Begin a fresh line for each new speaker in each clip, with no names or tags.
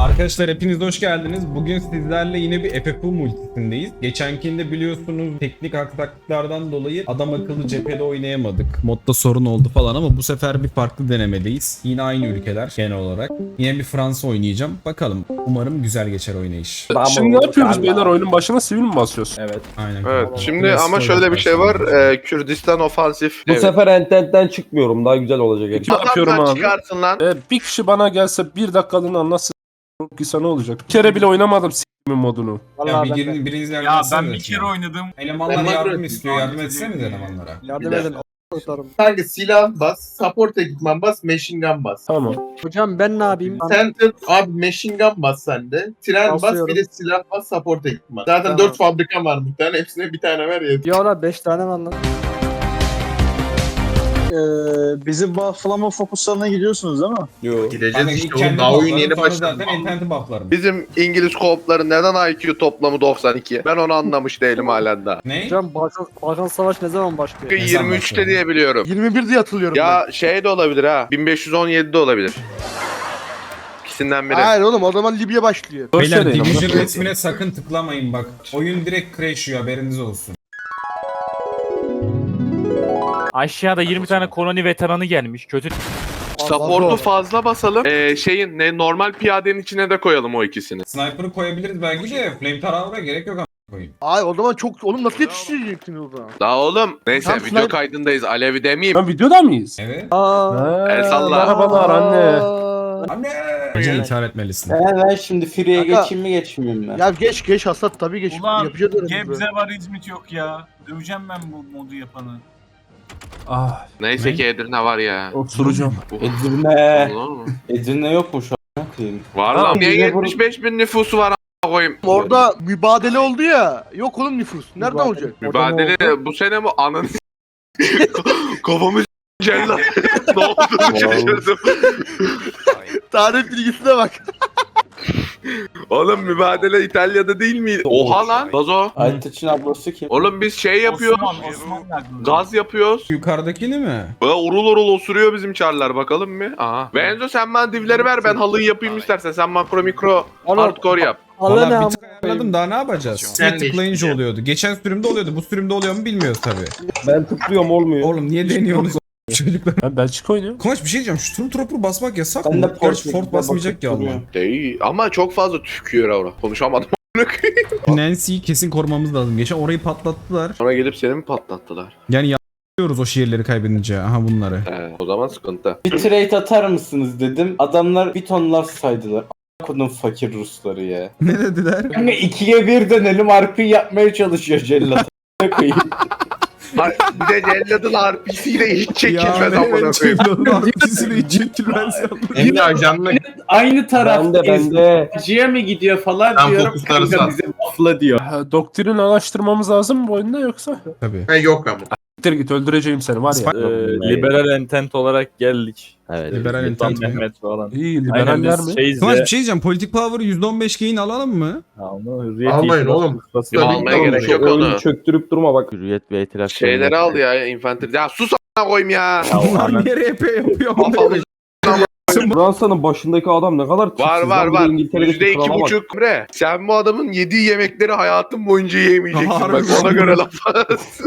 Arkadaşlar hepiniz hoş geldiniz. Bugün sizlerle yine bir FFU multisindeyiz. Geçenkinde biliyorsunuz teknik aksaklıklardan dolayı adam akıllı cephede oynayamadık. Modda sorun oldu falan ama bu sefer bir farklı denemedeyiz. Yine aynı ülkeler genel olarak. Yine bir Fransa oynayacağım. Bakalım. Umarım güzel geçer oynayış.
Şimdi ne yapıyoruz beyler, oyunun başına sivil mi basıyoruz?
Evet.
Aynen.
Evet.
Tamam.
Şimdi
Klasik
ama şöyle
olarak
bir şey var.
başlayalım.
Kürdistan ofansif.
Bu sefer Entent'ten çıkmıyorum. Daha güzel olacak.
Kim yapıyorum
Adamdan
abi?
çıkarsın lan.
Bir kişi bana gelse bir dakikalığını anlatsın. Gitse ne olacak? Bir kere bile oynamadım s***min modunu.
Ya biriniz yardım
Ya
etsenize
ben bir
şimdi.
kere oynadım.
Elemanlar
Ben
yardım
makro
istiyor. Yardım
ettim.
etseniz elemanlara.
Yardım edin.
Kanka silah bas, support ekipman bas, machine gun bas.
Tamam.
Hocam ben ne yapayım?
Center abi machine gun bas sende. Tren bas
Basıyorum.
bir de silah bas, support ekipman. Zaten
Tamam.
4 fabrika var muhtemelen. Hepsine bir tane ver ya.
Ya la 5 tane var lan.
Bizim bufflama fokuslarına gidiyorsunuz değil mi?
Yo.
Ben
Gideceğiz
ilk
işte
kendi
oğlum. Daha oyun
bufflarım,
yeni
sonra
başladı.
zaten interneti bufflarım.
Bizim İngiliz koopların neden IQ toplamı 92? Ben onu anlamış değilim halen daha.
Ne?
Hocam Balkan Savaş ne zaman başlıyor?
Ne zaman
23'te
başladı?
diye biliyorum.
21 diye hatırlıyorum
Ya şey de olabilir ha. 1517'de olabilir. İkisinden biri.
oğlum o zaman Libya başlıyor.
Doğru
Beyler
söyleyin ama.
Division resmine sakın tıklamayın bak. Oyun direkt crash'ıyor, haberiniz olsun.
Aşağıda 20 tane koloni veteranı gelmiş. Kötü.
Support'u fazla basalım. Şeyin normal piyadenin içine de koyalım o ikisini.
Sniper'ı koyabiliriz belki de flamethrow'a gerek yok ama koyayım.
Ay o zaman çok oğlum nasıl yetiştirecektin orada?
Daha oğlum. Neyse
Tam
video
sniper-
kaydındayız. Alevi demeyeyim.
Ben videoda mıyız?
Evet.
El salla.
Merhabalar anne.
Anne! Bence intihar etmelisin.
Ben şimdi free'ye
Kanka-
geçeyim mi geçmeyeyim mi?
Ya geç hasat tabii geç.
Ulan
Yapacağız öyle.
Gebze var İzmit yok ya. Döveceğim ben bu modu yapanı.
Ah,
Neyse
Ne?
ki Edirne var ya.
oturacağım.
Edirne.
Olur mu?
Edirne yok mu şu an? Bakayım.
Var
Ha,
lan. Niye
bize
75 bin nüfusu var a**a koyayım?
Orada mübadele oldu ya. Yok oğlum nüfus. Nerede
Mübadele.
olacak?
Mübadele bu sene mi ananı kafamı cellat. Ne oldu şaşırdım.
Tarih bilgisine bak.
Oğlum mübadele İtalya'da değil miydi? Oha lan. Gazo.
Aytaç'ın ablası kim?
Oğlum biz şey yapıyoruz.
Osman geldi.
Gaz yapıyoruz.
Yukarıdakini mi?
Böyle urul urul osuruyor bizim çarlar bakalım mı? Aha. Benzo sen bana divleri ver ben halıyı yapayım istersen. Sen makro mikro
Oğlum,
hardcore yap.
Allah
Valla
ne
bir tık ayarladım, daha ne yapacağız?
Sen
Sen
de
tıklayınca
işte.
oluyordu. Geçen sürümde oluyordu. Bu sürümde oluyor mu bilmiyoruz tabii.
Ben tıklıyorum olmuyor.
Oğlum niye deniyorsunuz çocuklar?
Ben Belçika oynuyorum.
Konuş bir şey diyeceğim. Şu Stormtrooper basmak yasak
Ben
mı?
de
Gerçi
Portekiz'e
Fort basmayacak ya
bakıp
Allah.
duruyorum.
Değil ama çok fazla tükürüyor orada. Konuşamadım.
Nancy'yi kesin korumamız lazım. Geçen orayı patlattılar.
Sonra gelip seni mi patlattılar?
Yani yapıyoruz o şehirleri kaybedince. Aha bunları.
O zaman sıkıntı.
Bir trade atar mısınız dedim. Adamlar bir tonlar saydılar. Kodun fakir Rusları ya.
Ne dediler?
Kanka 2'ye 1 denelim RP yapmaya çalışıyor cellat. koyayım.
Bir de celladın RP'siyle hiç çekilmez
Ya
amına
evet,
koyayım.
Cellad'ın arkasını hiç çekilmez.
Emre ajanla
Aynı taraftayız.
bende.
Acıya mı gidiyor falan
Sen
diyorum.
fokusları
Kanka
sat.
bize buffla diyor.
Doktrin araştırmamız lazım mı bu oyunda yoksa?
Tabii.
Yok ama.
Gittir git öldüreceğim seni var ya.
Liberal entent olarak geldik. Evet.
Liberal
Sultan
entent mi?
Mehmet falan.
İyi
Aynen
liberaller
biz
mi?
şeyiz
Kıvanç
ya.
bir şey diyeceğim. Politik Power'ı %15 gain alalım mı?
Onu hürriyet
Almayın
itiraz
oğlum.
kuşlasıyla
Almaya
almayın.
gerek yok onu.
Çöktürüp durma bak.
Hürriyet ve itiraz.
Şeyleri al ya infantry. Ya sus a**a koyayım ya.
Bunlar niye RP yapıyor?
Kafamız
Fransa'nın başındaki adam ne kadar
var var var. %2,5 bre. Sen bu adamın yediği yemekleri hayatın boyunca yiyemeyeceksin.
Harbi
Bak ona
mi?
göre laf at.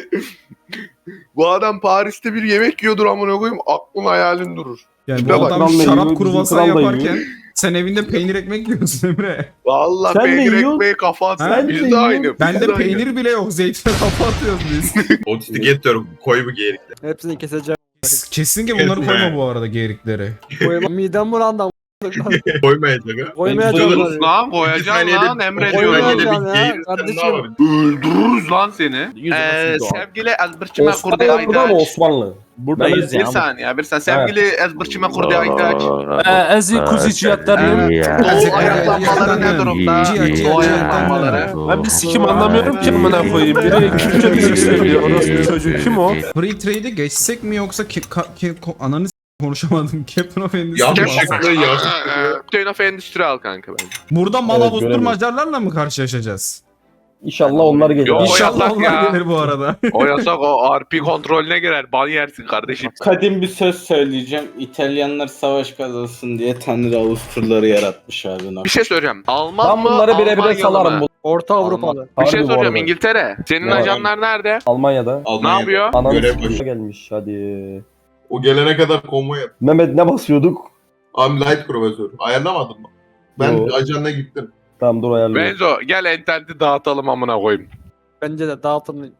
Bu adam Paris'te bir yemek yiyordur amına koyayım. Aklın hayalin durur.
Yani bu
Bak,
adam
kralla
şarap
yiyor,
kruvasan
bizim kralla
yaparken sen evinde peynir ekmek yiyorsun Emre.
Vallahi
Sen ne
peynir
yiyorsun?
ekmeği kafa
Ha?
atsın. Biz de
yiyorsun?
aynı.
Bende
biz de aynı.
peynir bile yok. Zeytine kafa atıyoruz biz.
Otistik getiriyorum. Koy bu geri.
Hepsini keseceğim.
Kesinlikle bunları koyma bu arada geğirikleri.
Koyma. Midem bulandı.
Koymayacak.
Koymayacağım.
Koyarız lan koyacaksın lan Emre diyorum.
Koymayacağım ya kardeşim.
Öldürürüz lan seni.
Yüzümüzü doğal.
Sevgili Ezbirçime Kurdi
Osmanlı burada mı
Aydaç.
Osmanlı?
Buradayız
Bir
ya.
saniye bir saniye. Sevgili Ezbirçime Kurdi Aydaç.
Ezi kuziciyatlarım.
Doğu ayaklanmaları ne durumda? Doğu ayaklanmaları.
Ben bir sikim anlamıyorum ki amına koyayım. Biri Kürtçe müzik söylüyor. Orası çocuk kim o?
Free trade'e geçsek mi yoksa ananı konuşamadım. Captain of Endless'ı mı
Yanlışlıkla
alsak?
yanlışlıkla.
Chain of Endüstri al kanka ben.
Burada mal
Evet,
avusturmacalarla mı karşılaşacağız?
İnşallah onlar gelir.
Yok, o
İnşallah
yasak
onlar
ya.
gelir bu arada.
O yasak, o RP kontrolüne girer. Ban yersin kardeşim.
Kadim bir söz söyleyeceğim. İtalyanlar savaş kazansın diye Tanrı Avusturları yaratmış abi.
Bir şey söyleyeceğim. Alman
Ben
mı?
bunları birebire
Almanyalı
salarım.
mı?
Orta Avrupalı.
Bir şey
Harbi bu
soracağım,
arada.
İngiltere. Senin
Ne?
ajanlar nerede?
Almanya'da.
Ne yapıyor?
Anam
Görev
s***
başı.
gelmiş hadi.
O gelene kadar konvoy yap.
Mehmet ne basıyorduk?
I'm light profesör. Ayarlamadın mı? Ben
Yo.
ajanına gittim.
Tamam dur ayarlayayım.
Benzo gel interneti dağıtalım amına koyayım.
Bence de dağıtım.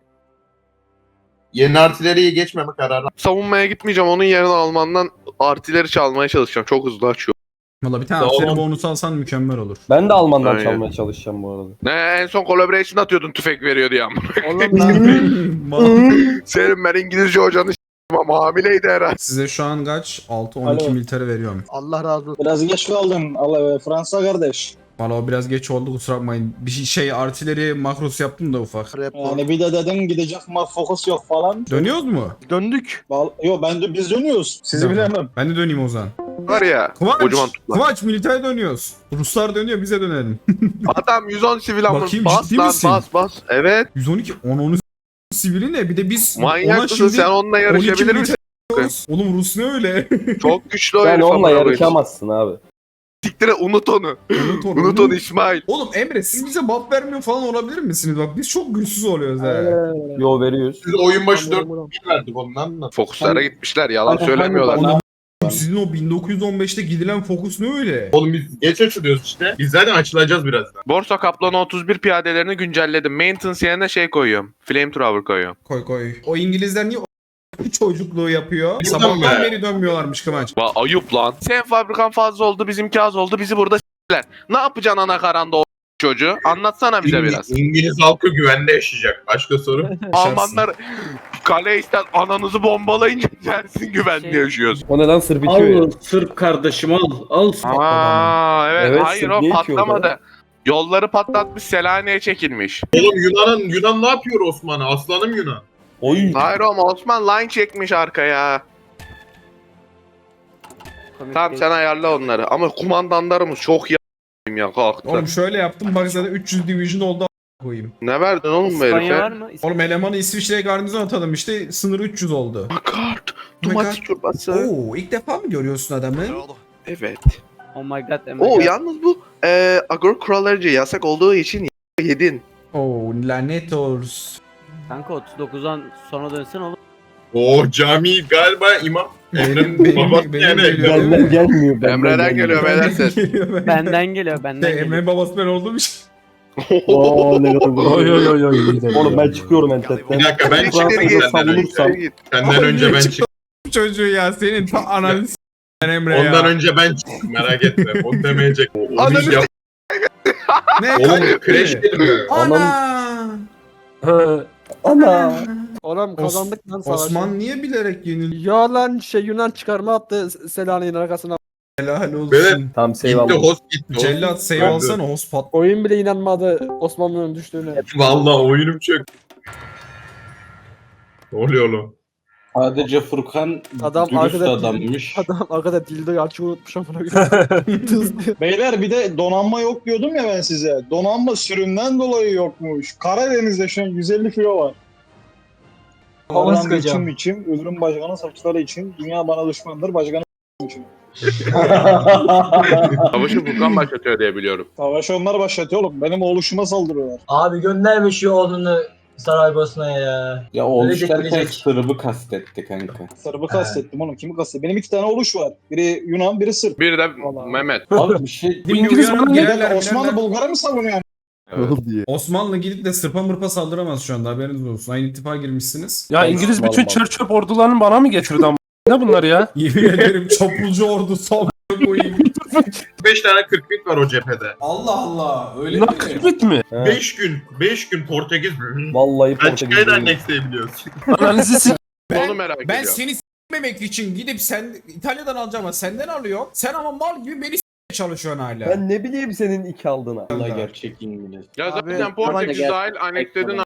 Yeni artileriye geçmeme kararı.
Savunmaya gitmeyeceğim. Onun yerine Alman'dan artileri çalmaya çalışacağım. Çok hızlı açıyor.
Valla bir tane
Tamam.
askeri bonus alsan mükemmel olur.
Ben de Alman'dan
Aynen.
çalmaya çalışacağım bu arada.
Ne, en son collaboration atıyordun tüfek veriyor diye amına.
Oğlum lan.
Senin ben İngilizce hocanı ama hamileydi herhalde.
Size şu an kaç? 6-12
Alo.
militer veriyorum.
Allah razı olsun.
Biraz geç kaldın. Allah Fransa kardeş.
Valla o biraz geç oldu, kusura bakmayın. Bir şey artileri makrosu yaptım da ufak.
Yani bir de dedin gidecek ama fokus yok falan.
Dönüyoruz mu?
Döndük.
Yo biz dönüyoruz. Sizi
Tamam.
bilemem.
Ben de döneyim o zaman.
Var ya.
Kıvanç!
Kocaman tutlar.
Kıvanç militer dönüyoruz. Ruslar dönüyor, bize dönelim.
Adam 110 sivil amına.
Bakayım,
Bas
ciddi
lan
misin?
bas. Evet.
112 10 sivili ne? Bir de biz
Manyak
ona
mısın
şimdi
sen, onunla
12
yarışabilir misin?
militer diyoruz. Oğlum Rus ne öyle?
Çok güçlü o
Sen
herif
onunla
amına koyayım.
yarışamazsın abi.
Siktire unut onu. Unut onu İsmail.
Oğlum Emre, siz bize buff vermiyor falan olabilir misiniz? Bak biz çok güçsüz oluyoruz ha.
Yo veriyoruz.
Siz oyun başı 4 verdik ondan da.
Fokuslara gitmişler, yalan
Hani-
söylemiyorlar.
Oğlum sizin o 1915'te gidilen fokus ne öyle?
Oğlum biz geç açılıyoruz işte. Biz zaten açılacağız birazdan.
Borsa Kaplanı 31 piyadelerini güncelledim. Maintenance yerine şey koyuyorum. Flamethrower koyuyorum.
Koy. O İngilizler niye o çocukluğu yapıyor?
Buradan
Sabahtan
be.
beri dönmüyorlarmış Kıvanç.
Ayıp lan. Sen fabrikan fazla oldu, bizimki az oldu. Bizi burada s**ler. Ne yapacaksın ana karanda o çocuğu? Anlatsana bize biraz.
İngiliz halkı güvende yaşayacak. Başka soru?
Almanlar kale ister ananızı bombalayınca dersin güvenli yaşıyoruz.
O neden sırf içiyor ya?
Sırp kardeşim al.
Aa evet,
Evet,
hayır o
Sırp niye içiyor
patlamadı. Yolları patlatmış, Selanik'e çekilmiş.
Oğlum Yunan ne yapıyor Osman'a? Aslanım Yunan.
Oy.
Hayır ama Osman line çekmiş arkaya. Tamam sen ayarla onları ama kumandanlarımız çok ya kalktı.
Oğlum şöyle yaptım, bak zaten 300 division oldu a- koyayım.
Ne verdin oğlum bu herife?
mı?
Oğlum elemanı İsviçre'ye garnizon atalım işte, sınır 300 oldu.
Kart,
my
domates
God.
çorbası.
Oo, ilk defa mı görüyorsun adamı?
Evet.
Oh my god.
Oo yalnız bu agrokrollerce yasak olduğu için yedin.
Oo, lanet olsun.
Kanka 39'dan sonra dönsen olur.
Cami galiba imam. Emre'nin
Benim
babası
geliyor,
yani.
değil mi?
Benden gelmiyor.
Emre'den geliyor beyler ses.
Benden geliyor benden
Emre babası ben olduğum için.
Oo ne kadar
Oy oy oy oy.
Oğlum ben çıkıyorum entetten.
Bir dakika ben
İçeri
çıktım
git,
senden önce.
içeri git.
Senden önce ben
Çıktı
çıktım.
Çocuğu ya senin ta ananı s***den Emre ya.
Ondan önce ben çıktım merak etme. O demeyecek. O
Ananı
iş yap.
Ne?
Oğlum
Kaç-
crash
ne?
dedim.
Ana!
Ana.
Oğlum kazandık lan savaşı.
Osman niye bilerek yenildi?
Ya lan Yunan çıkarma attı Selanik'in arkasına.
Helal olsun.
Böyle-
Tamam
Gitti
eyvallah.
host gitti.
Cellat save alsana, host pat.
Oyun bile inanmadı Osmanlı'nın düştüğüne.
Vallahi oyunum çöktü. Ne oluyor oğlum?
Sadece Furkan
Adam
dürüst
arkada-
adammış.
Adam arkada dildoyu açık unutmuş amına koyayım. Tız diyor.
Beyler bir de donanma yok diyordum ya ben size. Donanma sürümden dolayı yokmuş. Karadeniz'de şu an 150 kilo var. Havadan için, ürün başkanı saçları için, dünya bana düşmandır, başkanı için.
Savaşı Furkan başlatıyor diye biliyorum.
Savaşı onlar başlatıyor oğlum. Benim oluşuma saldırıyorlar.
Abi göndermiş ya oğlunu Saraybosna'ya ya.
Ya olmuş
Ölecek,
derken
ölecek.
Sırp'ı kastetti kanka.
Sırp'ı kastettim oğlum. Kimi kastettim? Benim 2 tane oluş var. Biri Yunan, biri Sırp.
Bir de
Vallahi.
Mehmet.
Abi bir şey...
Bu
İngiliz
uyanıp
bana
girerler,
Neden Osmanlı
girerler.
Bulgar'a mı savunuyor?
diye.
Osmanlı gidip de Sırp'a mırpa saldıramaz şu anda, haberiniz olsun. Aynı ittifaka girmişsiniz.
Ya İngiliz bütün çöp ordularını bana mı getirdi ama? Ne bunlar ya?
Yemin ederim çapulcu ordu son koyayım.
5 tane 40 bit var o cephede.
Allah Allah, öyle
Bunlar kırbit mi?
5 gün Portekiz.
Vallahi
Belçika'yı da
Portekiz.
annexleyebiliyoruz.
Analizi s***.
Onu merak
Ben
ediyorum.
seni s**memek için gidip sen İtalya'dan alacağım ama senden alıyor. Sen ama mal gibi beni s**meye çalışıyorsun hala.
Ben ne bileyim senin 2 aldığına.
Allah gerçek İngiliz.
Ya
Abi,
zaten Portekiz
ama-
dahil anekledin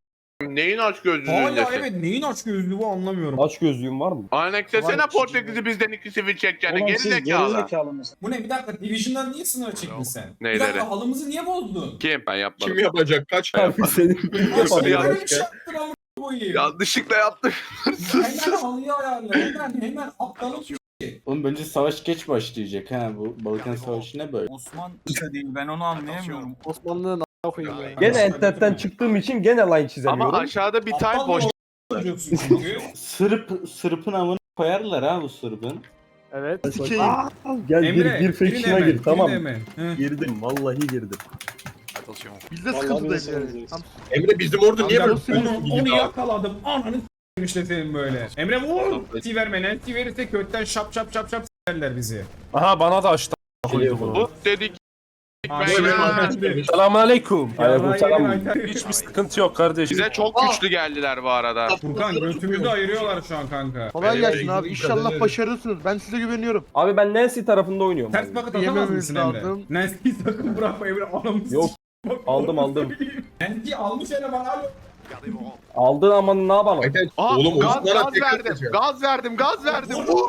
Neyin aç
Hala
gözlülüğündesin?
evet neyin aç gözlüğü bu anlamıyorum.
Aç gözlüğün var mı?
Anneksesene Portekiz'i bizden 2 sivil çekeceğini
Oğlum
geri
siz
zekalı.
gerizekalı mısınız?
Bu ne bir dakika Division'dan niye sınır çektin sen? Bir
Neyleri?
dakika halımızı niye bozdun?
Kim? Ben yapmadım.
Kim yapacak? Kaç ay
Abi senin
Nasıl
ya?
böyle bir şey yaptın amına koyayım?
Yanlışlıkla yaptım.
Hemen halıyı ayarla hemen aptalım.
Oğlum bence savaş geç başlayacak ha. Bu Balkan Savaşı ne böyle?
Osman değil ben onu anlayamıyorum. Osmanlı'nın a**a koyayım ya.
gene entetten çıktığım için gene line çizemiyorum.
Ama aşağıda bir tane boş.
Çocuğusun çünkü.
Sırpın amına koyarlar ha bu Sırpın.
Evet.
Gel
Emre,
bir faction'a gir tamam.
He.
Girdim vallahi girdim.
Biz de
Vallahi
sıkıntıdayız
biz
yani.
sıkıntıyız.
Emre bizim orada niye böyle
Onu yakaladım. Ananı s**eyim işte senin böyle. Emre vur. Nancy verme. Nancy verirse kökten şap s**erler bizi.
Aha bana da açtı. Koydu bunu.
Bu dedik.
Selamünaleyküm.
Aleykümselam.
Hiçbir sıkıntı yok kardeş.
Bize çok güçlü geldiler bu arada.
Furkan götümüzü ayırıyorlar şu an kanka.
Kolay gelsin abi. İnşallah başarırsınız. Ben size güveniyorum.
Abi ben Nancy tarafında oynuyorum.
Ters
abi.
paket atamaz mısın Emre?
lazım.
Nancy'yi sakın bırakma Emre anamızı
Yok. Aldım.
Nancy almış hele bana alo.
Aldın ama ne yapalım?
Aa,
Oğlum
gaz,
Osman'a
gaz
tekrar
verdim.
atacağım.
Gaz verdim. Vur.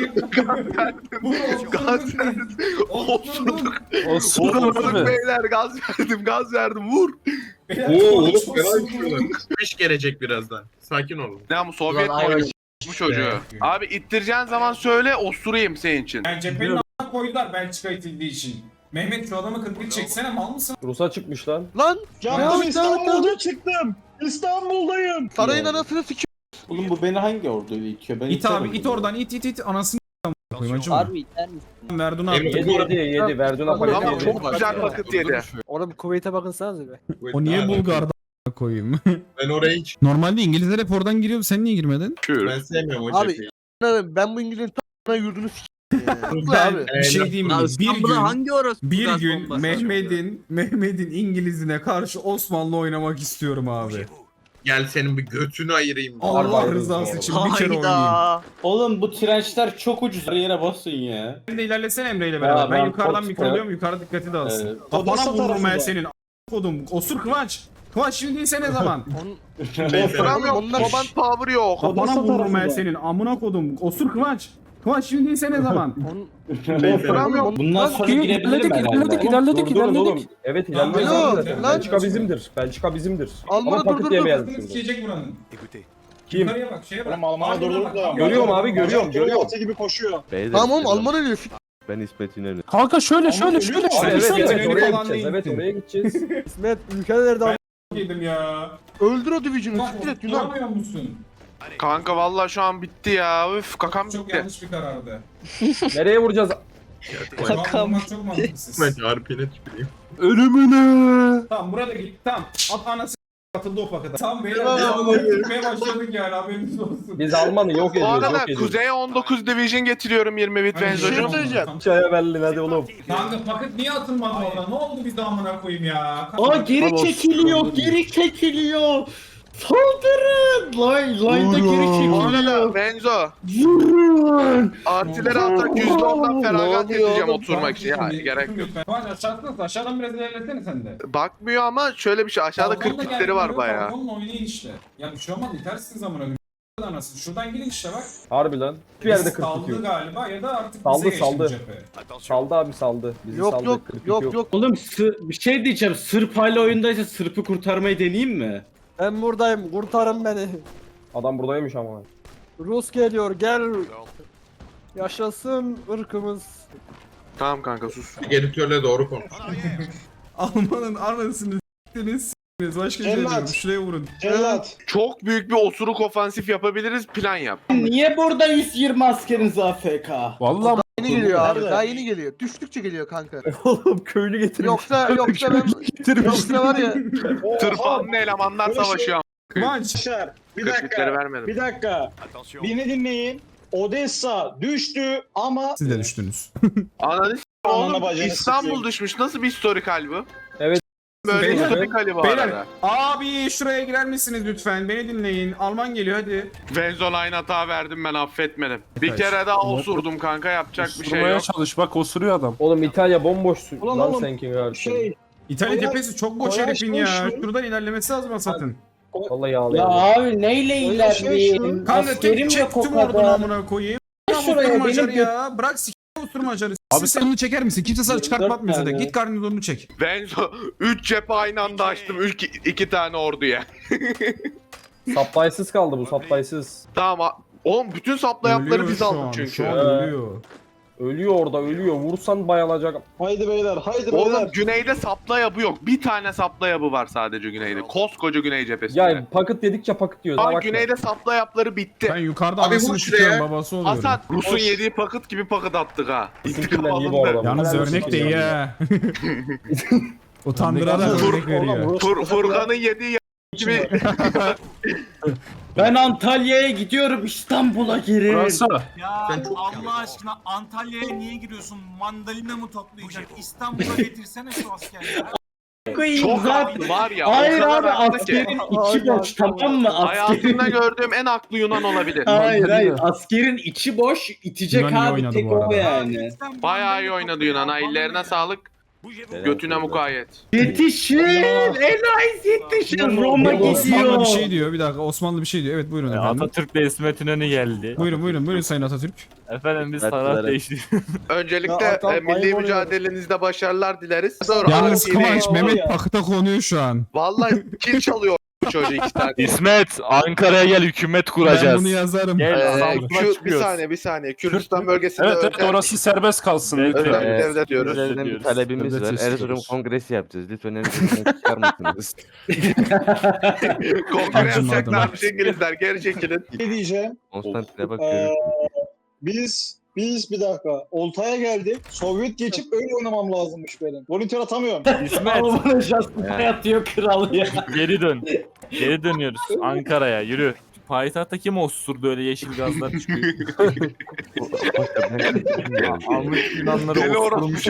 Gaz verdim. Osurduk. Osurduk
mi?
beyler gaz verdim. Vur.
Oo oğlum fena düşüyorlar. İş gelecek birazdan. Sakin olun.
Ne bu Sovyet koymuş bu çocuğu. Abi ittireceğin zaman söyle osurayım senin için.
Yani cephenin a**ına koydular Belçika itildiği için. Mehmet şu adamı 41 çeksene mal mısın?
Rus'a çıkmış lan.
Lan!
Canım İstanbul'da çıktım. İstanbul'dayım.
Sarayın anasını sikiyor.
Oğlum bu beni hangi orduyla itiyor? Ben
İt
iterim
abi it
bunu.
oradan it anasını koyayım acım.
Harbi iter misin?
Verdun
Emre,
abi.
Yedi. Verduna paket
Ama
yedi.
çok güzel vakit yedi.
Oğlum Kuveyt'e bakınsanız be.
O niye Bulgar'da koyayım?
Ben oraya hiç
Normalde İngilizler hep oradan giriyor. Sen niye girmedin?
ben sevmiyorum o
Abi,
cepheyi.
Ben bu İngiliz'in t***ına yurdunu sikeyim.
Ben
abi.
bir şey diyeyim mi? Bir
gaz
gün
bombası
Mehmet'in İngiliz'ine karşı Osmanlı oynamak istiyorum abi.
Gel senin bir götünü ayırayım.
Allah rızası için bir kere oynayayım.
Oğlum bu trençler çok ucuz. Her yere basın ya.
Sen de ilerlesene Emre ile beraber.
Ya,
Ben
ben
yukarıdan
Fox'ta-
mikroluyorum. Yukarı dikkati dağılsın.
Evet.
Kafana
Odessa
vururum ben
tarafında.
senin. Kodum. Osur Kıvanç. Kıvanç şimdi değilse ne zaman?
Osuramıyorum.
Onlar-
Baban power yok.
Kafana
Odessa
vururum ben
tarafında.
senin. Amına kodum. Osur Kıvanç. Kıvanç şimdi değilse ne zaman?
Osuramıyorum.
Bundan sonra girebilirim herhalde.
Durun oğlum. Evet
Alo,
ilerledik.
lan.
Belçika bizimdir. Belçika bizimdir.
Alman'a
Ama paket
dur.
yemeyelim
Kafasını
şimdi.
sikecek buranın.
Kim?
Yukarıya bak şeye bak.
Oğlum Alman'a
Ardına
durdurup
bak.
da.
Görüyorum abi, görüyorum.
Atı gibi koşuyor.
Tamam oğlum Alman ölüyor.
Ben İsmet İnönü.
Kanka şöyle.
Abi
Evet
evet
evet oraya
falan
gideceğiz.
değil.
Evet oraya gideceğiz.
İsmet ülkelerde
Yedim ya.
öldür o Division'ı.
Bak
Siktir et Yunan.
duramıyor musun?
Kanka vallahi şu an bitti ya. Üf kakam
Çok
bitti.
yanlış bir karardı.
Nereye vuracağız?
Kakam. Çok mantıksız.
Ben harpine tüküreyim.
Ölümüne.
Tamam burada git. Tamam. At anası atıldı o pakete. Tamam beyler.
Tamam.
Gitmeye başladık yani haberiniz olsun.
Biz Alman'ı yok
Bu
ediyoruz.
arada
Yok ediyoruz.
Kuzey'e 19 Division getiriyorum 20 bit
Hani
benzocu.
şey söyleyeceğim.
Çaya Berlin hadi oğlum.
Kanka paket niye atılmadı orada? Ne oldu biz de amına koyayım ya?
Aa geri çekiliyor, geri çekiliyor. Saldırın! Line'da geri
Bu arada
çekiliyor.
Benzo.
Vurun!
Artileri atak %10'dan feragat
Ne oluyor
edeceğim
oğlum?
oturmak için. Ya gerek yok.
Var aşağıdan biraz ilerlesene sen de.
Bakmıyor ama şöyle bir şey aşağıda
Balkonda
kritikleri var
gelmiyor,
bayağı.
Balkonla oynayın işte. Ya bir şey olmaz itersiniz amına koyayım. Anasını. Şuradan girin işte bak.
Harbi lan. Bir yerde 40
Saldı
tutuyor.
galiba ya da artık
Saldı,
bize geçti bu
saldı.
cephe.
Saldı abi saldı. Bizi
Yok
saldı.
yok
42
yok.
Oğlum bir şey diyeceğim. Sırp hala oyundaysa Sırp'ı kurtarmayı deneyeyim mi?
Ben buradayım. Kurtarın beni.
Adam buradaymış ama.
Rus geliyor. Gel. Yaşasın ırkımız.
Tamam kanka sus.
Editörle doğru konuş.
Almanın anasını s**tiniz. Başka şey
Cellat.
diyorum. Şuraya vurun.
Cellat.
Çok büyük bir osuruk ofansif yapabiliriz plan yap.
Niye burada 120 askeriniz AFK?
Vallahi
Yeni geliyor abi.
Nerede?
Daha yeni geliyor. Düştükçe geliyor kanka.
Oğlum köylü getirmiş.
Yoksa ben yoksa var ya.
Tırpanlı elemanlar
Böyle şey-
savaşıyor.
Kıvanç.
Arkadaşlar bir
Kırklıkları
dakika.
vermedim.
Bir dakika. Beni dinleyin. Odessa düştü ama
Siz de düştünüz.
Ananı s***
Ananı
oğlum
bacını
İstanbul
sikeyim.
düşmüş. Nasıl bir historikal bu?
Evet.
Böyle
Beyler,
historikali bu
Beyler
arada.
abi şuraya girer misiniz lütfen? Beni dinleyin. Alman geliyor hadi.
Venzoline hata verdim ben affetmedim. Bir
Evet.
kere daha osurdum kanka yapacak bir şey
Osurmaya
yok.
çalış bak osuruyor adam.
Oğlum İtalya bomboş
Ulan
lan
oğlum,
senkin abi.
şey
İtalya
Koyar-
cephesi çok boş
koyar
herifin ya.
şu-
Şuradan ilerlemesi lazım Asat'ın.
Vallahi
Ya
yağlayalım.
abi neyle
Öyle
ilerleyeyim?
Kanka
Askerim
tek
yok o
çektim oradan
kadar.
amına koyayım.
Şuraya
Osurmacar
benim
ya. Bırak s*** osurmacarı. Abi sen onu çeker misin? Kimse sana çıkartmatmıyor zaten. Git karnını çek.
Ben 3 cephe aynı anda açtım. 2 tane orduya.
Supply'sız kaldı bu supply'sız.
Tamam. Oğlum bütün saplayapları
Ölüyor
biz
şu
aldık
an,
çünkü.
Şu an ölüyor.
Ölüyor orada ölüyor. Vursan bayılacak.
Haydi beyler, haydi
Oğlum
beyler.
güneyde saplayabı yok. Bir tane saplayabı var sadece güneyde. Koskoca güney cephesinde.
Ya paket dedikçe paket yiyoruz.
Abi
Bak
güneyde saplayapları bitti.
Ben yukarıda
Abi
anasını
vur
tutuyorum
şuraya.
babası oluyorum.
Hasan Rus'un yediği pakıt gibi pakıt attık ha. İntikam
Bizimkinden iyi bu
alındı.
arada.
Yalnız
Helal
örnek
olsun
de iyi
hocam.
ha. Utandırarak örnek veriyor.
Furkan'ın yediği gibi.
Ben Antalya'ya gidiyorum, İstanbul'a girin.
Fransa.
Ya
Sen çok
Allah aşkına Antalya'ya niye giriyorsun? Mandalina mı toplayacak? İstanbul'a getirsene şu askerleri.
Çok
zaten.
haklı var ya.
Hayır
o kadar
abi
haklı ki.
askerin içi boş, tamam mı?
Hayatımda gördüğüm en haklı Yunan olabilir.
Hayır askerin içi boş, itecek
Yunan iyi
abi
oynadı
tek
bu
o
arada.
yani.
Bayağı iyi oynadı Yunan. Ha, ellerine sağlık. Götüne mukayyet.
Yetişin! Enayiz yetişin! Roma
Osmanlı
gidiyor!
bir şey diyor. Bir dakika Osmanlı bir şey diyor. Evet buyurun efendim.
Atatürk de İsmet İnönü geldi.
Buyurun Sayın Atatürk.
Efendim biz taraf değiştirdik.
Öncelikle
Ya adam
milli
ayıp oluyor.
mücadelenizde başarılar dileriz. Sonra
Yalnız
Arap
Kıvanç
yeri-
Mehmet pakıta konuyor şu an.
Vallahi kil çalıyor çocuğu 2 tane.
İsmet Ankara'ya gel hükümet
Ben
kuracağız.
bunu yazarım.
Gel Samsun'a
Bir
çıkıyoruz.
saniye. Kürdistan bölgesinde
Evet evet
özel-
orası serbest kalsın.
Evet,
lütfen.
evet.
devlet diyoruz.
Üzerinden bir
talebimiz
Devlet
var.
istiyoruz.
Erzurum Kongresi yapacağız. Lütfen Erzurum'dan çıkar mısınız?
Kongre
Acımadım.
yapacaklarmış İngilizler. Geri çekilin.
Ne diyeceğim?
Konstantin'e bak
Ee,
görürsün.
biz bir dakika. Oltaya geldik. Sovyet geçip öyle oynamam lazımmış benim. Volunteer atamıyorum.
İsmet
Alman'a şansına yatıyor kral ya.
geri dön. Geri dönüyoruz Ankara'ya yürü. Payitahtta kim osurdu öyle yeşil gazlar çıkıyor. Almış Yunanları
Deli
osurmuş.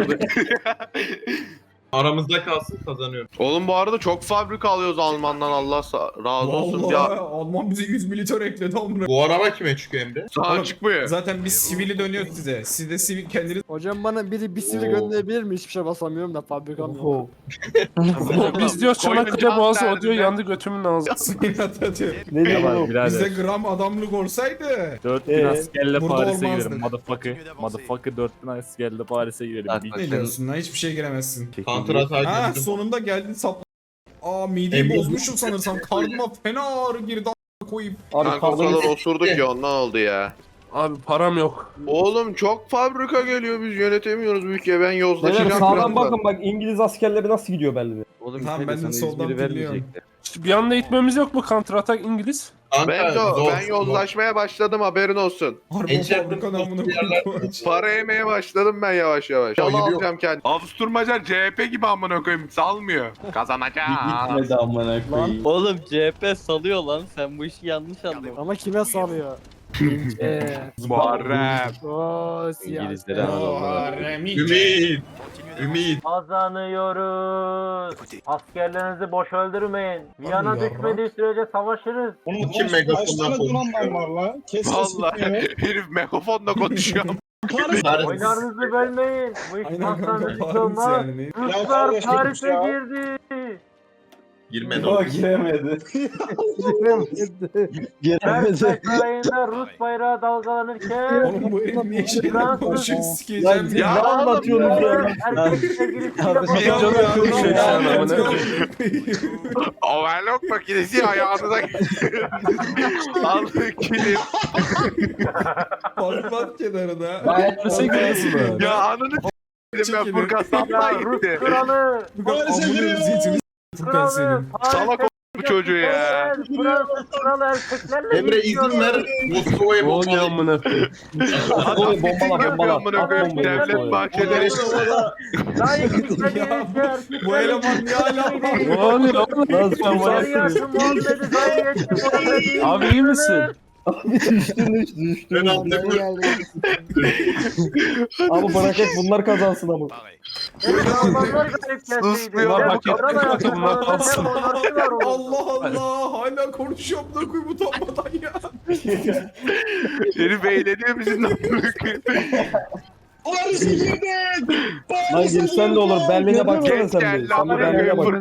Aramızda kalsın kazanıyor.
Oğlum bu arada çok fabrika alıyoruz Alman'dan Allah razı olsun.
Vallahi
Ya
Alman bize 100 militer ekledi amına.
Bu araba kime çıkıyor Emre?
sana
Oğlum,
çıkmıyor.
Zaten biz sivili dönüyoruz size. Siz de sivil kendiniz
Hocam bana biri bir sivri gönderebilir mi? Hiçbir şey basamıyorum da fabrikam yok.
Biz diyor Çanakkale
Koyun
Boğazı
can
o diyor
derdinde.
yandı götümün ağzı.
Sayın Atatürk.
Ne
Tamam
Bizde
birader.
gram adamlık olsaydı.
4000 askerle
burada
Paris'e
olmazdı.
girelim. Motherfucker 4000 askerle Paris'e girelim.
Bak,
Bil-
bak.
Ne diyorsun lan? Hiçbir şey giremezsin.
Counter atak
Ha
yaptım.
sonunda geldin sap. Aa mideyi
Emre-
bozmuşum sanırsam. Karnıma fena ağrı girdi a**a koyayım.
Abi
Kanka o
kaldırmış.
kadar osurduk ya ondan oldu ya.
Abi param yok.
Oğlum çok fabrika geliyor biz yönetemiyoruz bu ülkeyi. Ben
Beyler
yozlaşacağım
sağdan
birazdan.
bakın bak İngiliz askerleri nasıl gidiyor belli.
Oğlum
Tamam, ben de
sana
soldan
İzmir'i
dinliyorum.
vermeyecekler.
İşte bir anda itmemiz yok mu counter atak İngiliz?
Ben yozlaşmaya başladım haberin olsun.
Harbi o
Ece-
fabrika namına
yerler-
koyayım.
Para yemeye başladım ben yavaş yavaş. Yol
Ayıp yok.
alacağım kendim. Avusturmacar CHP gibi amına koyayım salmıyor. Kazanacağım.
Gitmedi amına koyayım.
Oğlum CHP salıyor lan. Sen bu işi yanlış anladın. Ama kime salıyor?
Muharrem.
Ooo
İngilizlere
Ümit.
Kazanıyoruz. Askerlerinizi boş öldürmeyin.
Viyana düşmediği
sürece savaşırız.
Bunun
Kim
kaç
megafondan
tane
konuşuyor?
donanman var lan? Kes
Vallahi herif megafonla konuşuyor.
Oylarınızı bölmeyin. Bu iş
Aynen kanka
hastanesi
Paris
olmaz.
yani.
Ya
Ruslar
kardeş,
Paris'e
ya.
girdi.
Girmedi
O
o.
giremedi. Versailles Sarayı'nda Rus bayrağı dalgalanırken
Oğlum bu herif niye şeyler
Fransız-
konuşuyor sikeceğim
Ya
ya.
anlatıyorsunuz ya? Erkek sevgilisiyle
Niye
babam-
canı konuşuyor şu an amına?
Overlock makinesi ayağınıza aldı kilit.
Patlat kenarına.
Nasıl gidiyorsun?
Ya ananı s**tim ben Furkan sapla
Rus
gitti.
kralı.
Furkan amına zeytini Furkan
Kralı.
senin.
Salak bu çocuğu ya.
Fransız kralı erkeklerle
Emre izin ver. Moskova'ya
Ne oluyor
bombalayayım.
amına?
Oğlum bombala bombala.
Amına
At
koyayım,
bombayı.
devlet bahçeleri.
Layık
Ya,
istediğince
bu eleman ne ala
Ne oluyor oğlum? Abi iyi misin?
Ben anlamıyorum.
Abi bırak hep bunlar kazansın ama.
Sus bir
Bunlar
ya.
hak etti kanka bunlar kalsın.
Allah Allah hala konuşuyorum da koyayım utanmadan ya.
Herif eğleniyor bizimle.
Paris'e girdik.
Lan girsen de olur. Berlin'e baksana sen
Gel
bir. Sen bir
lan
Berlin'e bak.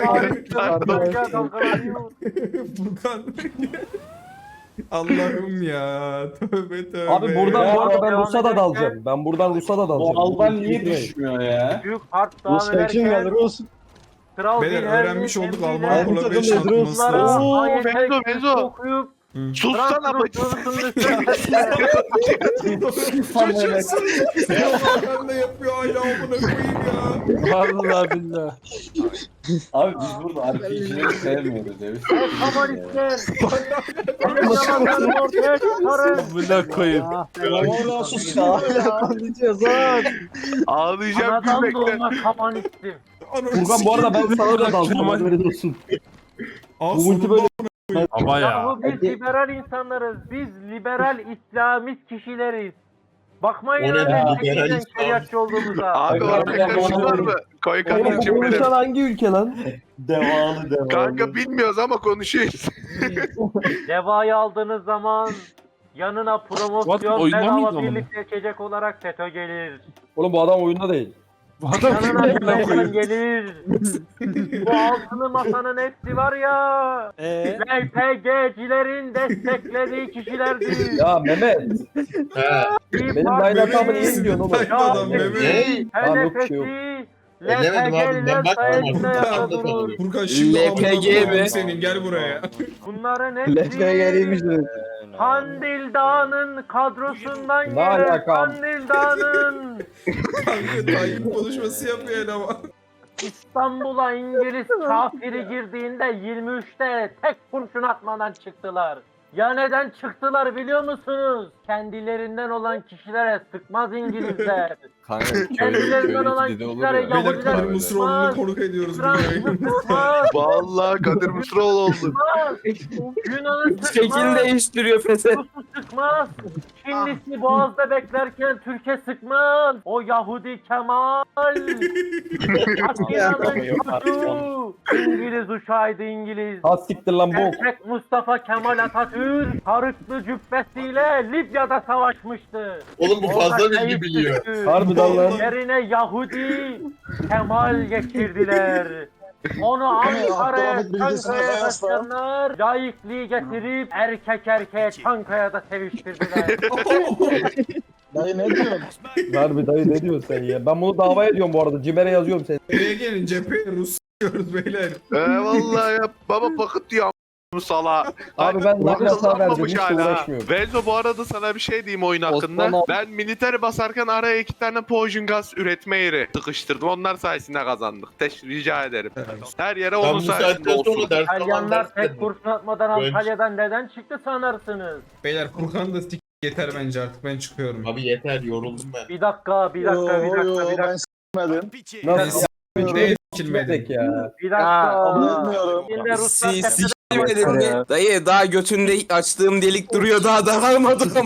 Furkan. Allah'ım ya. Tövbe tövbe.
Abi buradan
ya.
bu arada ben Rus'a da dalacağım. Ben buradan Rus'a da dalacağım.
Bu Alban niye düşmüyor ya?
Büyük harp
Rusya kim geldi Rus?
Kral
Beyler
Wilhelm'in
öğrenmiş olduk
emriyle
Alman kolabiye şampiyonası.
Ruslara
Benzo, Benzo.
okuyup
Sussana bacı.
Ben de yapıyor hala amına koyayım ya.
Vallahi billahi.
Abi biz burada RPG'leri sevmiyoruz ya. Biz
Komünistler. Zamanların ortaya çıkarın.
Buna koyayım.
Valla sus ya. Konuşuyoruz lan.
Ağlayacağım
Anadan
gülmekten.
doğma komünistim.
Furkan bu arada ben sana da dalacağım. Haberin olsun.
Al
Bu ulti
sonunda
böyle
Ama ya.
Yahu biz liberal insanlarız. Biz liberal İslamist kişileriz. Bakmayın
O ne
öyle
ya,
çekilden
liberal
şeriatçı olduğumuza.
Abi orada karışık var mı? Koy
Oğlum bu
kardeşim benim.
konuşan hangi ülke lan?
devalı.
Kanka bilmiyoruz ama konuşuyoruz.
Devayı aldığınız zaman yanına
What,
promosyon
oyunda mıydı
bedava
ama?
birlik seçecek olarak FETÖ gelir.
Oğlum bu adam oyunda değil.
Bu adam
Yanına
kim lan
Yunanistan gelir. Bu altılı masanın hepsi var ya. LPG'cilerin desteklediği kişilerdir.
Ya Mehmet.
He.
Benim bayrak abi niye gidiyorsun oğlum?
Sayın adam Mehmet.
Ne?
Tamam, yok bir şey yok.
Elemedim abi, ben bakmadım.
sayesinde
Furkan şimdi amına
LPG
koyayım
mi?
senin gel buraya.
Bunların
Leşmeye geliymiş
hepsi
dedi.
Kandil Dağı'nın kadrosundan
Ne
gelen
alaka?
Kandil Dağı'nın
Kanka Tayyip konuşması yapıyor ama.
İstanbul'a İngiliz kafiri girdiğinde 23'te tek kurşun atmadan çıktılar. Ya neden çıktılar biliyor musunuz? Kendilerinden olan kişilere sıkmaz İngilizler. Kendilerinden olan kişilere
Beyler Kadir
Yahudiler
Mısıroğlu'nu
sıkmaz.
konuk ediyoruz bu
Fransız
yayında.
sıkmaz.
Vallahi Kadir Mısıroğlu oldu.
Sıkmaz. Yunan'ı
Şekil
sıkmaz.
değiştiriyor Fesat.
Rus'u sıkmaz. Çinlisi Boğaz'da beklerken Türkiye sıkmaz. O Yahudi Kemal. Atina'nın çocuğu. İngiliz uçağıydı İngiliz.
Ha siktir lan bu.
Erkek Mustafa Kemal Atatürk sarıklı cübbesiyle Libya'da savaşmıştı.
Oğlum bu fazla
Orada
bilgi
kayıp
biliyor.
düştü.
Harbiden lan.
Yerine Yahudi Kemal getirdiler. Onu Ankara'ya,
Abdülhamit bilgisine
Çankaya'ya
kıyasla.
taşıyanlar layıklığı getirip erkek erkeğe Çankaya'da seviştirdiler.
Dayı ne diyorsun?
Harbi dayı ne diyorsun sen ya? Ben bunu davaya ediyorum bu arada. Cimer'e yazıyorum seni.
Buraya gelin cepheye Rus diyoruz beyler.
Vallahi ya baba bakıt diyor bu sala.
Abi ben laf yasağı verdim. Hiç uğraşmıyorum.
Benzo bu arada sana bir şey diyeyim oyun
Osman
hakkında.
abi.
Ben militeri basarken araya 2 tane poison gaz üretme yeri sıkıştırdım. Onlar sayesinde kazandık. Rica ederim. Her yere
Ben
onun
bu
sayesinde
saatten
olsun.
sonra ders alan
İtalyanlar tek
derslerim.
kurşun atmadan
Önce-
Antalya'dan neden çıktı sanarsınız?
Beyler Furkan da yeter bence artık ben çıkıyorum.
Abi yeter yoruldum ben.
Bir dakika.
Ben s**medim.
Nasıl
Ne
sikilmedik ya?
Bir dakika.
Bilmiyorum.
Şimdi Ruslar
Sikilmedin mi? Dayı daha götünde açtığım delik duruyor daha daralmadı ama.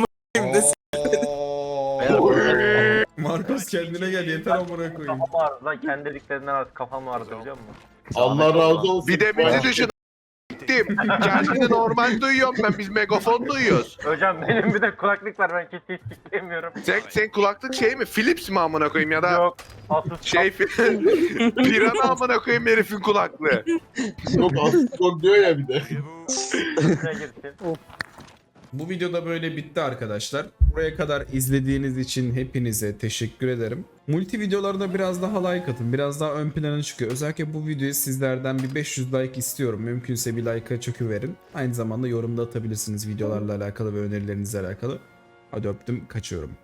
Marcos kendine gel yeter amına koyayım.
kafam vardı lan kendi dediklerinden az kafam vardı biliyor musun?
Allah razı olsun.
Bir de bizi düşün. Gittim. Kendini normal duyuyorum ben. Biz megafon duyuyoruz.
Hocam benim bir de kulaklık var ben hiç istemiyorum.
Sen kulaklık şey mi? Philips mi amına koyayım ya da
Yok. Asus
şey Pirana amına koyayım herifin kulaklığı.
Yok çok diyor ya bir de.
kapısına girsin.
Bu videoda böyle bitti arkadaşlar. Buraya kadar izlediğiniz için hepinize teşekkür ederim. Multi videolarda biraz daha like atın. Biraz daha ön plana çıkıyor. Özellikle bu videoyu sizlerden bir 500 like istiyorum. Mümkünse bir like'a çöküverin. Aynı zamanda yorumda atabilirsiniz videolarla alakalı ve önerilerinizle alakalı. Hadi öptüm, kaçıyorum.